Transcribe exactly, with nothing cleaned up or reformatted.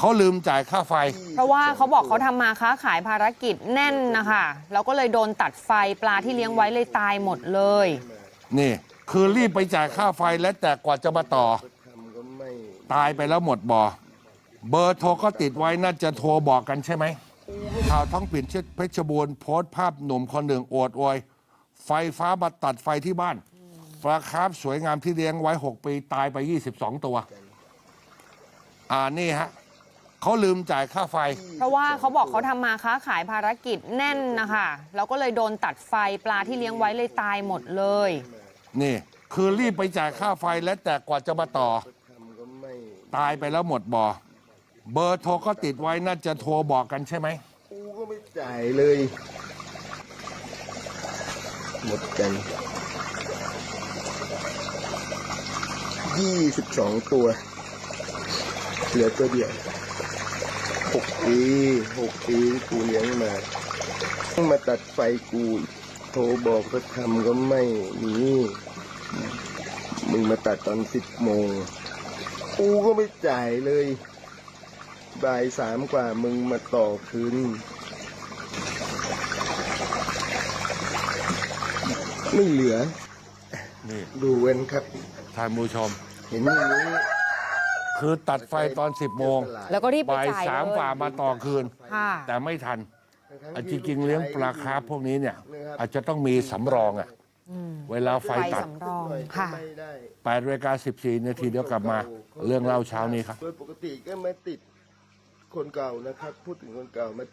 เขาลืมจ่ายค่าไฟเพราะว่าเขาบอกเขาทำมาค้าขายภารกิจแน่นนะคะแล้วก็เลยโดนตัดไฟปลาที่เลี้ยงไว้เลยตายหมดเลยนี่คือรีบไปจ่ายค่าไฟและแต่กว่าจะมาต่อตายไปแล้วหมดบ่อเบอร์โทรก็ติดไว้น่าจะโทรบอกกันใช่ไหมข่าวท้องปิ่นเพชรบูรณ์โพสต์ภาพหนุ่มคนหนึ่งโอดโอยไฟฟ้ามาตัดไฟที่บ้านปลาคาร์ฟสวยงามที่เลี้ยงไว้หกปีตายไปยี่สิบสองตัวอ่านี่ฮะเขาลืมจ่ายค่าไฟเพราะว่าเขาบอกเขาทำมาค้าขายภารกิจแน่นนะคะแล้วก็เลยโดนตัดไฟปลาที่เลี้ยงไว้เลยตายหมดเลยนี่คือรีบไปจ่ายค่าไฟและแต่กว่าจะมาต่อตายไปแล้วหมดบ่อเบอร์โทรก็ติดไว้น่าจะโทรบอกกันใช่ไหมกูก็ไม่จ่ายเลยหมดกันยี่สิบสองตัวเหลือตัวเดียวหกปีหกปีกูเลี้ยงมาต้องมาตัดไฟกูโทรบอกก็ทำก็ไม่มีมึงมาตัดตอนสิบโมงกูก็ไม่จ่ายเลยบ่ายสามกว่ามึงมาต่อคืนไม่เหลือนี่ดูเว้นครับท่านผู้ชมเห็นอย่างนี้คือตัดไฟตอนสิบโมงแล้วก็รีบไปบ่ายจ่ายสามกว่ามาต่อคืนแต่ไม่ทันจริงๆเลี้ยงปลาคาร์ฟพวกนี้เนี่ยอาจจะต้องมีสำรองอ่ะเวลาไฟตัดแปดนาฬิกาสิบสี่นาทีเดี๋ยวกลับมาเรื่องเล่าเช้านี้ครับโดยปกติก็ไม่ติดคนเก่านะครับพูดถึงคนเก่ามา